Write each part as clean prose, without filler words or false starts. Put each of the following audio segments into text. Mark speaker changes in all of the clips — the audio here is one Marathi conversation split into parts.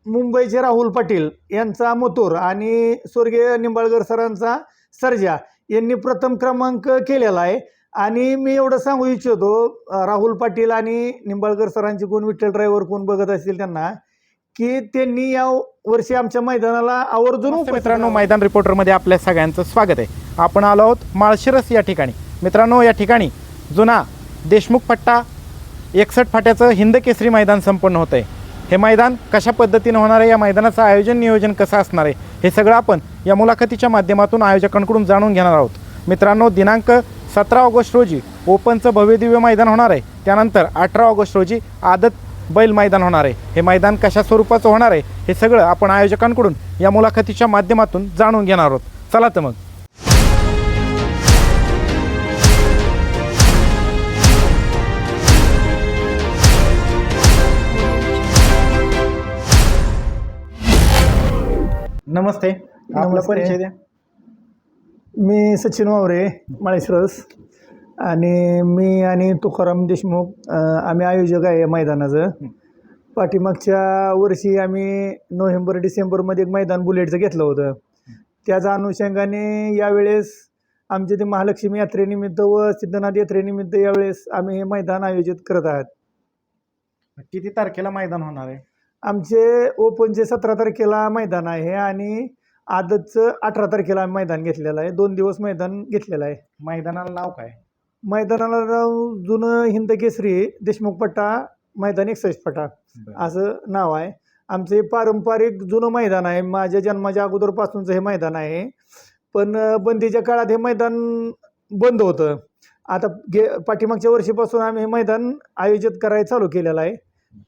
Speaker 1: मुंबईचे राहुल पाटील यांचा मथुर आणि स्वर्गीय निंबाळकर सरांचा सर्जा यांनी प्रथम क्रमांक केलेला आहे. आणि मी एवढं सांगू इच्छितो, राहुल पाटील आणि निंबाळकर सरांचे कोण विठ्ठल ड्रायव्हर कोण बघत असतील त्यांना, की त्यांनी या वर्षी आमच्या मैदानाला आवर्जून
Speaker 2: मित्रांनो, मैदान रिपोर्टरमध्ये आपल्या सगळ्यांचं स्वागत आहे. आपण आलो आहोत माळशिरस या ठिकाणी. मित्रांनो, या ठिकाणी जुना देशमुख पट्टा 61 फाट्याचं हिंद केसरी मैदान संपन्न होतं आहे. हे मैदान कशा पद्धतीने होणार आहे, या मैदानाचं आयोजन नियोजन कसं असणार आहे, हे सगळं आपण या मुलाखतीच्या माध्यमातून आयोजकांकडून जाणून घेणार आहोत. मित्रांनो, दिनांक 17 ऑगस्ट रोजी ओपनचं भव्यदिव्य मैदान होणार आहे. त्यानंतर 18 ऑगस्ट रोजी आदत बैल मैदान होणार आहे. हे मैदान कशा स्वरूपाचं होणार आहे, हे सगळं आपण आयोजकांकडून या मुलाखतीच्या माध्यमातून जाणून घेणार आहोत. चला तर मग. नमस्ते, आपला परिचय द्या.
Speaker 1: मी सचिन वावरे, माळशिरस. आणि मी आणि तुकाराम देशमुख आम्ही आयोजक आहे या मैदानाचं. पाठीमागच्या वर्षी आम्ही नोव्हेंबर डिसेंबरमध्ये एक मैदान बुलेटचं घेतलं होतं. त्याच्या अनुषंगाने यावेळेस आमचे ते महालक्ष्मी यात्रेनिमित्त व सिद्धनाथ यात्रेनिमित्त यावेळेस आम्ही हे मैदान आयोजित करत आहात.
Speaker 2: किती तारखेला मैदान होणार आहे?
Speaker 1: आमचे ओपनचे 17 तारखेला मैदान आहे आणि आदतचं 18 तारखेला आम्ही मैदान घेतलेलं आहे. 2 दिवस मैदान घेतलेलं आहे.
Speaker 2: मैदानाला नाव काय?
Speaker 1: मैदानाला नाव जुनं हिंद केसरी देशमुख पट्टा मैदान 61 फटा असं नाव आहे. आमचे पारंपरिक जुनं मैदान आहे. माझ्या जन्माच्या अगोदरपासूनचं हे मैदान आहे. पण बंदीच्या काळात हे मैदान बंद होतं. आता पाठीमागच्या वर्षीपासून आम्ही हे मैदान आयोजित करायला चालू केलेलं आहे.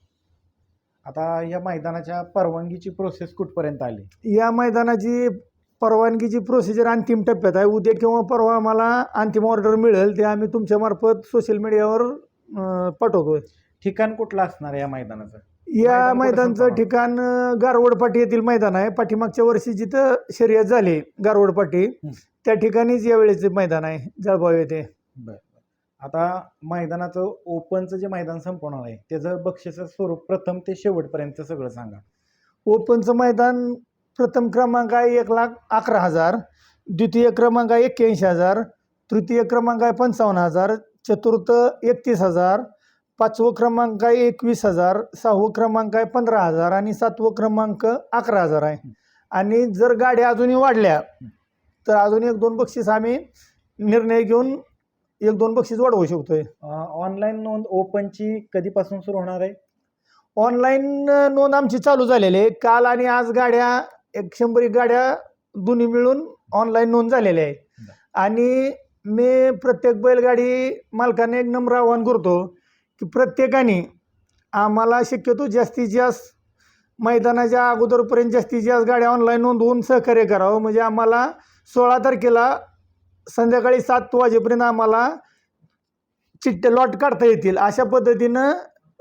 Speaker 2: आता या मैदानाच्या परवानगीची प्रोसेस कुठपर्यंत आली?
Speaker 1: या मैदानाची परवानगीची प्रोसिजर अंतिम टप्प्यात आहे. उद्या किंवा परवा आम्हाला अंतिम ऑर्डर मिळेल, ते आम्ही तुमच्या मार्फत सोशल मीडियावर पाठवतोय.
Speaker 2: ठिकाण कुठलं असणार आहे या मैदानाचं?
Speaker 1: या मैदानाचं ठिकाण गारवडपाटी येथील मैदान आहे. पाठीमागच्या वर्षी जिथं शर्यत झाली गारवडपाटी, त्या ठिकाणीच यावेळेचे मैदान आहे, जळगाव येथे.
Speaker 2: बरं. आता मैदानाचं ओपनचं जे मैदान संपवणार आहे त्याचं बक्षिसाचं स्वरूप प्रथम ते शेवटपर्यंत सगळं सांगा.
Speaker 1: ओपनचं मैदान प्रथम क्रमांक आहे 1,11,000, द्वितीय क्रमांक आहे 81,000, तृतीय क्रमांक आहे 55,000, चतुर्थ 31,000, पाचवं क्रमांक आहे 21,000, सहावं क्रमांक आहे 15,000 आणि सातवं क्रमांक 11,000 आहे. आणि जर गाड्या अजूनही वाढल्या तर अजून 1-2 बक्षीस आम्ही निर्णय घेऊन 1-2 बक्षीस वाढवू शकतोय.
Speaker 2: ऑनलाईन नोंद ओपनची कधीपासून सुरू होणार आहे?
Speaker 1: ऑनलाईन नोंद आमची चालू झालेली आहे. काल आणि आज गाड्या 100 गाड्या दोन्ही मिळून ऑनलाईन नोंद झालेल्या आहे. आणि मी प्रत्येक बैलगाडी मालकाने एक नम्र आवाहन करतो की प्रत्येकाने आम्हाला शक्यतो जास्तीत जास्त मैदानाच्या अगोदरपर्यंत जास्तीत जास्त गाड्या ऑनलाईन नोंदवून सहकार्य करावं. म्हणजे आम्हाला 16 तारखेला संध्याकाळी 7 वाजेपर्यंत आम्हाला चिठ्ठ्या लॉट काढता येतील, अशा पद्धतीनं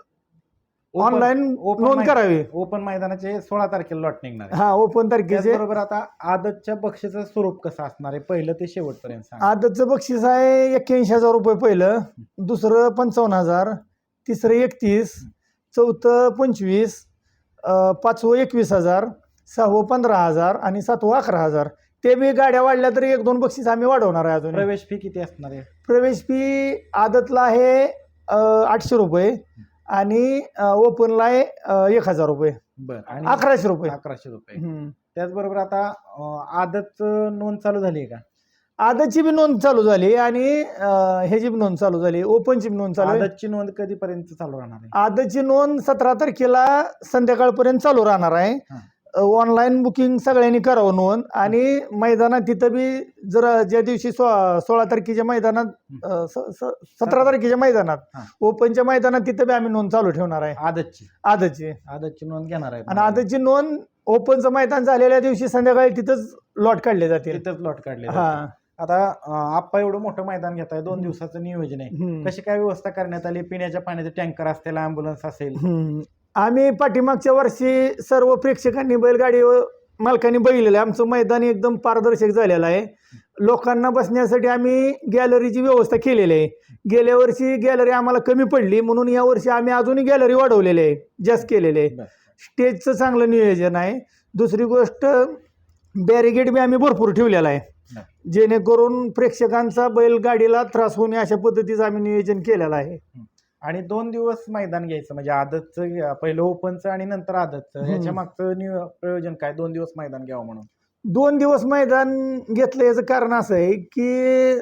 Speaker 1: ऑनलाईन नोंद करावी.
Speaker 2: ओपन मैदानाचे 16 तारखेला लॉट निघणार आहे.
Speaker 1: हा, ओपन तारखेचे.
Speaker 2: बरोबर. आता आदतच्या बक्षीचं स्वरूप कसं असणार आहे पहिलं ते शेवटपर्यंत सांगा.
Speaker 1: आदतचं बक्षीस आहे 81,000 रुपये पहिलं, दुसरं 55,000, तिसरं 31, चौथं 25, पाचवं 21,000, सहावं 15,000 आणि सातवं 11,000. ते बी गाड्या वाढल्या तरी 1-2 बक्षीस आम्ही वाढवणार आहे. अजून
Speaker 2: प्रवेश फी किती असणार आहे?
Speaker 1: प्रवेश फी आदतला आहे 800 रुपये आणि ओपनला आहे 1,000 रुपये.
Speaker 2: बरं. आणि
Speaker 1: 1100 रुपये.
Speaker 2: 1100 रुपये. त्याचबरोबर आता आदत नोंद चालू झाली आहे का?
Speaker 1: आदतची बी नोंद चालू झाली आणि ह्याची बी नोंद चालू झाली, ओपनची बी नोंद चालू आहे.
Speaker 2: आदतची नोंद कधीपर्यंत चालू राहणार आहे?
Speaker 1: आदतची नोंद 17 तारखेला संध्याकाळपर्यंत चालू राहणार आहे. ऑनलाईन बुकिंग सगळ्यांनी करावं नोंद. आणि मैदानात तिथं बी जर ज्या दिवशी 16 तारखेच्या मैदानात 17 तारखेच्या मैदानात ओपनच्या मैदानात तिथं बी आम्ही नोंद चालू ठेवणार आहे. आदतची
Speaker 2: नोंद घेणार आहे.
Speaker 1: आणि आदतची नोंद ओपनचं मैदान झालेल्या दिवशी संध्याकाळी तिथंच लॉट काढले जातील.
Speaker 2: हा. आता आप्पा एवढं मोठं मैदान घेत आहे, 2 दिवसाचं नियोजन आहे, कशी काय व्यवस्था करण्यात आली? पिण्याच्या पाण्याचे टँकर असतील, अँब्युलन्स असेल?
Speaker 1: आम्ही पाठीमागच्या वर्षी सर्व प्रेक्षकांनी बैलगाडी मालकांनी बघितलेलं आहे. आमचं मैदान एकदम पारदर्शक झालेलं आहे. लोकांना बसण्यासाठी आम्ही गॅलरीची व्यवस्था केलेली आहे. गेल्या वर्षी गॅलरी आम्हाला कमी पडली, म्हणून या वर्षी आम्ही अजूनही गॅलरी वाढवलेली आहे, जास्त केलेले आहे. स्टेजचं चांगलं नियोजन आहे. दुसरी गोष्ट बॅरिगेड बी आम्ही भरपूर ठेवलेला आहे, जेणेकरून प्रेक्षकांचा बैलगाडीला त्रास होऊ नये अशा पद्धतीचं आम्ही नियोजन केलेलं आहे.
Speaker 2: आणि 2 दिवस मैदान घ्यायचं म्हणजे आदतचं पहिलं ओपनचं आणि नंतर आदतचं, ह्याच्या मागचं प्रयोजन काय 2 दिवस मैदान घ्यावं म्हणून?
Speaker 1: 2 दिवस मैदान घेतलं याचं कारण असं आहे की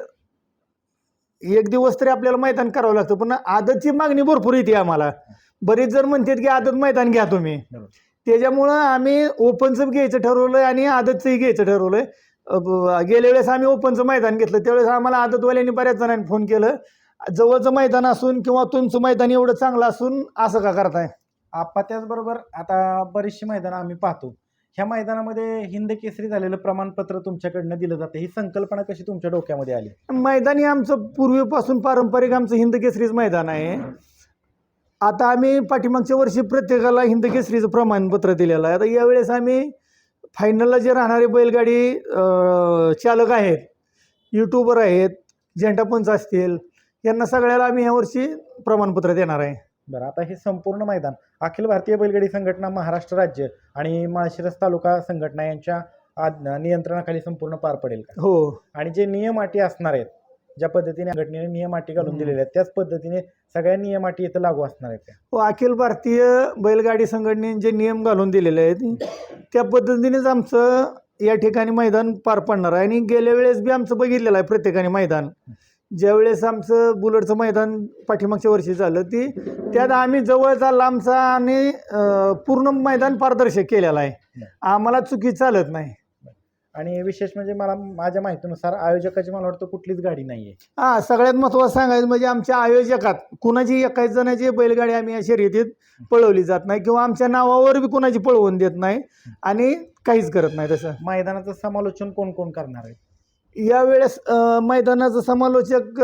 Speaker 1: 1 दिवस तरी आपल्याला मैदान करावं लागतं, पण आदतची मागणी भरपूर येते आम्हाला. बरेच जण म्हणतात की आदत मैदान घ्या तुम्ही, त्याच्यामुळं आम्ही ओपनचं घ्यायचं ठरवलंय आणि आदतचंही घ्यायचं ठरवलंय. गेल्या वेळेस आम्ही ओपनचं मैदान घेतलं, त्यावेळेस आम्हाला आदतवाल्यांनी बऱ्याच जणांनी फोन केलं, जवळचं मैदान असून किंवा तुमचं मैदान एवढं चांगलं असून असं का करताय?
Speaker 2: आपण त्याचबरोबर आता बरीचशी मैदानं आम्ही पाहतो, ह्या मैदानामध्ये हिंद केसरी झालेलं प्रमाणपत्र तुमच्याकडनं दिलं जातं, ही संकल्पना कशी तुमच्या डोक्यामध्ये आली?
Speaker 1: मैदान हे आमचं पूर्वीपासून पारंपरिक आमचं हिंद केसरीच मैदान आहे. आता आम्ही पाठीमागच्या वर्षी प्रत्येकाला हिंद केसरीचं प्रमाणपत्र दिलेलं आहे. आता यावेळेस आम्ही फायनलला जे राहणारे बैलगाडी चालक आहेत, यूट्यूबर आहेत, झेंडापंच असतील, यांना सगळ्याला आम्ही यावर्षी प्रमाणपत्र देणार आहे.
Speaker 2: बरं, आता हे संपूर्ण मैदान अखिल भारतीय बैलगाडी संघटना महाराष्ट्र राज्य आणि माळशिरस तालुका संघटना यांच्या नियंत्रणाखाली संपूर्ण पार पडेल का?
Speaker 1: हो.
Speaker 2: आणि जे नियम अटी असणार आहेत, ज्या पद्धतीने संघटनेने नियम अटी घालून दिलेल्या आहेत, त्याच पद्धतीने सगळ्या नियम अटी इथं लागू असणार आहेत का?
Speaker 1: हो, अखिल भारतीय बैलगाडी संघटनेने जे नियम घालून दिलेले आहेत त्या पद्धतीनेच आमचं या ठिकाणी मैदान पार पडणार आहे. आणि गेल्या वेळेस बी आमचं बघितलेलं आहे प्रत्येकाने मैदान. ज्यावेळेस आमचं बुलेटचं मैदान पाठीमागच्या वर्षी झालं त्यात आम्ही जवळचा लांबचा आणि पूर्ण मैदान पारदर्शक केलेलं आहे. आम्हाला चुकी चालत नाही.
Speaker 2: आणि विशेष म्हणजे मला माझ्या माहितीनुसार आयोजकाची मला वाटतं कुठलीच गाडी नाही आहे.
Speaker 1: हां, सगळ्यात महत्त्वाचं सांगायचं म्हणजे आमच्या आयोजकात कुणाची एकाच जणाची बैलगाडी आम्ही या शर्यतीत पळवली जात नाही किंवा आमच्या नावावर बी कुणाची पळवून देत नाही आणि काहीच करत नाही. तसं
Speaker 2: मैदानाचं समालोचन कोण कोण करणार आहे
Speaker 1: यावेळेस? मैदानाचं समालोचक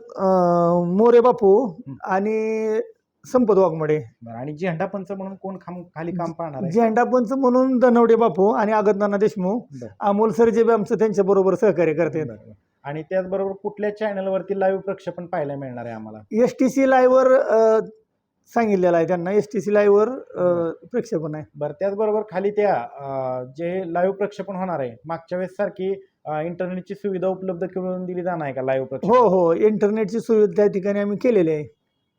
Speaker 1: मोरे बापू आणि संपत वाघमोडे.
Speaker 2: आणि झेंडापंच म्हणून कोण खाली काम पाहणार आहे?
Speaker 1: झेंडापंच म्हणून धनवडे बापू आणि अगतनाना देशमुख, अमोल सरजे बी आमचं त्यांच्याबरोबर सहकार्य करतात.
Speaker 2: आणि त्याचबरोबर कुठल्या चॅनलवरती लाईव्ह प्रक्षेपण पाहायला मिळणार आहे आम्हाला?
Speaker 1: STC लाईव्हवर सांगितलेलं आहे त्यांना, STC लाईव्हवर प्रक्षेपण आहे.
Speaker 2: बरं, त्याचबरोबर खाली त्या जे लाईव्ह प्रक्षेपण होणार आहे मागच्या वेळेस सारखी इंटरनेटची सुविधा उपलब्ध करून दिली जाणार आहे का लाईव्ह प्रक्षेपण?
Speaker 1: हो हो, इंटरनेटची सुविधा त्या ठिकाणी आम्ही केलेली आहे.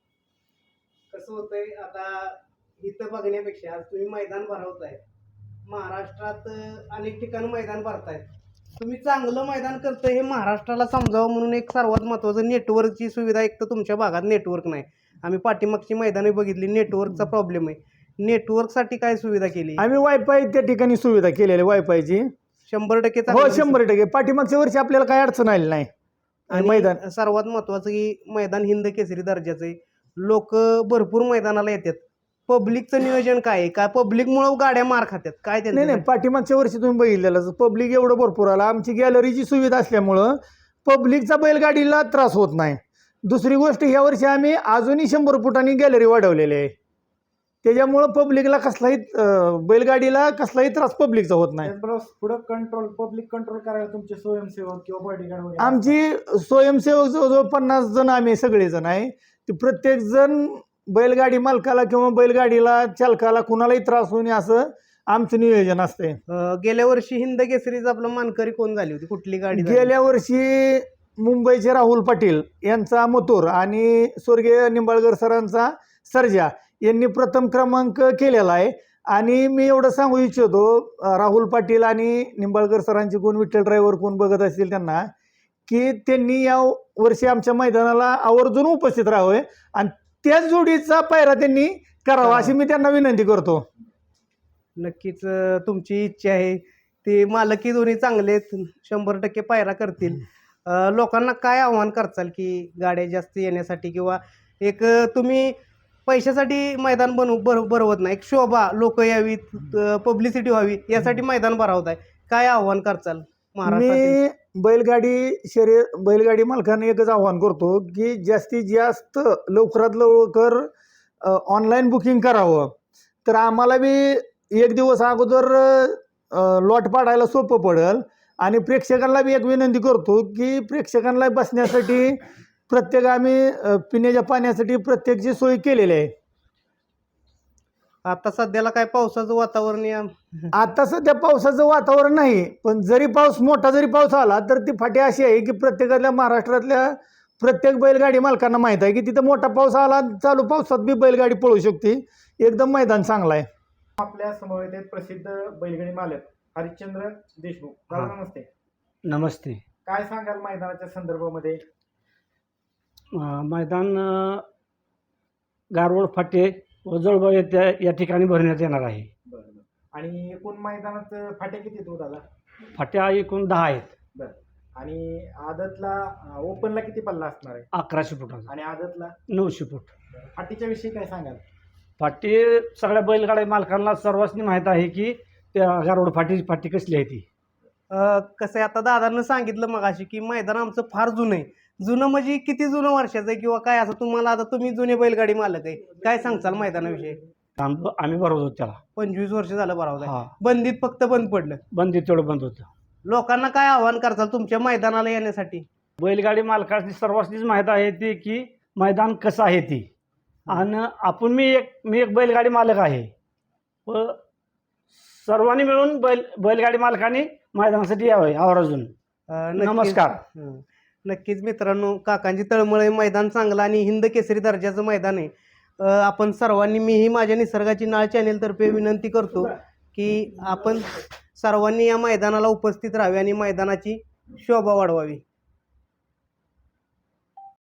Speaker 3: कसं होतंय आता इथं बघण्यापेक्षा तुम्ही मैदान भरवताय, महाराष्ट्रात अनेक ठिकाणी मैदान भरताय, तुम्ही चांगलं मैदान करताय हे महाराष्ट्राला समजावं म्हणून एक सर्वात महत्त्वाचं नेटवर्कची सुविधा. एक तर तुमच्या भागात नेटवर्क नाही, आम्ही पाठीमागची मैदाने बघितली, नेटवर्कचा प्रॉब्लेम आहे. नेटवर्कसाठी काय सुविधा केली?
Speaker 1: आम्ही वायफाय त्या ठिकाणी सुविधा केलेली आहे, वायफायची
Speaker 3: 100%
Speaker 1: हो 100%. पाठीमागच्या वर्षी आपल्याला काही अडचण आली नाही.
Speaker 3: आणि
Speaker 1: मैदान
Speaker 3: सर्वात महत्त्वाचं की मैदान हिंद केसरी दर्जाचं आहे, लोक भरपूर मैदानाला येतात. पब्लिकचं नियोजन काय आहे? काय पब्लिकमुळे गाड्या मार खात्यात काय?
Speaker 1: नाही नाही, पाठीमागच्या वर्षी तुम्ही बघितलेलं पब्लिक एवढं भरपूर आलं. आमची गॅलरीची सुविधा असल्यामुळं पब्लिकचा बैलगाडीला त्रास होत नाही. दुसरी गोष्ट, ह्या वर्षी आम्ही अजूनही 100 फुटांनी गॅलरी वाढवलेली आहे, त्याच्यामुळं पब्लिकला कसलाही बैलगाडीला कसलाही त्रास पब्लिकचा होत नाही.
Speaker 2: पुढे पब्लिक कंट्रोल करायला तुमचे स्वयंसेवक किंवा बॉडीगार्ड?
Speaker 1: आमची स्वयंसेवक जवळजवळ 50 जण आम्ही सगळेजण आहे. ते प्रत्येक जण बैलगाडी मालकाला किंवा बैलगाडीला चालकाला कुणालाही त्रास होऊ नये असं आमचं नियोजन असते.
Speaker 3: गेल्या वर्षी हिंद केसरीचं आपलं मानकरी कोण झाली होती? कुठली गाडी?
Speaker 1: गेल्या वर्षी मुंबईचे राहुल पाटील यांचा मथुर आणि स्वर्गीय निंबाळकर सरांचा सर्जा यांनी प्रथम क्रमांक केलेला आहे. आणि मी एवढं सांगू इच्छितो, राहुल पाटील आणि निंबाळकर सरांचे कोण विठ्ठल ड्रायव्हर कोण बघत असतील त्यांना, की त्यांनी या वर्षी आमच्या मैदानाला आवर्जून उपस्थित राहावे आणि त्याच जोडीचा पायरा त्यांनी करावा अशी मी त्यांना विनंती करतो.
Speaker 3: नक्कीच तुमची इच्छा आहे, ते मालकी दोन्ही चांगले 100% पायरा करतील. लोकांना काय आव्हान करचाल की गाड्या जास्त येण्यासाठी किंवा एक तुम्ही पैशासाठी मैदान भरवत नाही, एक शोभा लोक यावीत, पब्लिसिटी व्हावी यासाठी मैदान भरवताय, काय आव्हान करचाल?
Speaker 1: मी बैलगाडी मालकांना एकच आव्हान करतो की जास्तीत जास्त लवकरात लवकर ऑनलाईन बुकिंग करावं. तर आम्हाला बी 1 दिवस अगोदर लॉट पाडायला सोपं पडेल. आणि प्रेक्षकांना बी एक विनंती करतो की प्रेक्षकांना बसण्यासाठी प्रत्येक आम्ही पिण्याच्या पाण्यासाठी प्रत्येकची सोय केलेली आहे.
Speaker 3: आता सध्याला काय पावसाचं वातावरण या
Speaker 1: आता सध्या पावसाचं वातावरण नाही, पण जरी मोठा पाऊस आला तर ती फाटी अशी आहे की प्रत्येकातल्या महाराष्ट्रातल्या प्रत्येक बैलगाडी मालकांना माहीत आहे की तिथं मोठा पाऊस आला, चालू पावसात बी बैलगाडी पळू शकते. एकदम मैदान चांगलं आहे.
Speaker 2: आपल्या समवेत आहेत प्रसिद्ध बैलगाडी मालक हरिश्चंद्र देशमुख. दादा
Speaker 4: हा.
Speaker 2: नमस्ते.
Speaker 4: नमस्ते.
Speaker 2: काय सांगाल मैदानाच्या संदर्भामध्ये?
Speaker 4: मैदान गारवड फाटे व जळगाव या ठिकाणी भरण्यात येणार आहे.
Speaker 2: बरं. आणि एकूण मैदानात फाटे किती आहेत दादा?
Speaker 4: फाट्या एकूण 10 आहेत.
Speaker 2: बरं. आणि आदतला ओपनला किती पल्ला असणार आहे?
Speaker 4: 1100 फुटाचा
Speaker 2: आणि आदतला
Speaker 4: 900 फूट.
Speaker 2: फाटीच्या विषयी काय सांगाल?
Speaker 4: फाटी सगळ्या बैलगाड्या मालकांना सर्वांनी माहीत आहे की त्या गारवड फाटी कसली आहे ती.
Speaker 3: कसं आहे, आता दादांना सांगितलं मगाशी की मैदान आमचं फार जुनं आहे. जुनं म्हणजे किती जुनं वर्षाचं आहे किंवा काय, असं तुम्हाला आता तुम्ही जुने बैलगाडी मालक आहे, काय सांगचाल मैदानाविषयी?
Speaker 4: आम्ही भरवतो त्याला.
Speaker 3: 25 वर्ष झालं बरोबर.
Speaker 4: हा,
Speaker 3: बंदीत फक्त बंद पडलं.
Speaker 4: बंदी तेवढं बंद होतं.
Speaker 3: लोकांना काय आव्हान करताल तुमच्या मैदानाला येण्यासाठी?
Speaker 4: बैलगाडी मालकांनी सर्वांनीच माहीत आहे ती की मैदान कसं आहे ती. आणि मी एक बैलगाडी मालक आहे व सर्वांनी मिळून बैलगाडी मालकांनी मैदानासाठी यावे आवर्जून. नमस्कार.
Speaker 3: नक्कीच मित्रांनो, काकांची तळमळे मैदान चांगलं आणि हिंद केसरी दर्जाचं मैदान आहे. आपण सर्वांनी, मीही माझ्या निसर्गाची नाळ चॅनेलतर्फे विनंती करतो की आपण सर्वांनी या मैदानाला उपस्थित राहावे आणि मैदानाची शोभा वाढवावी.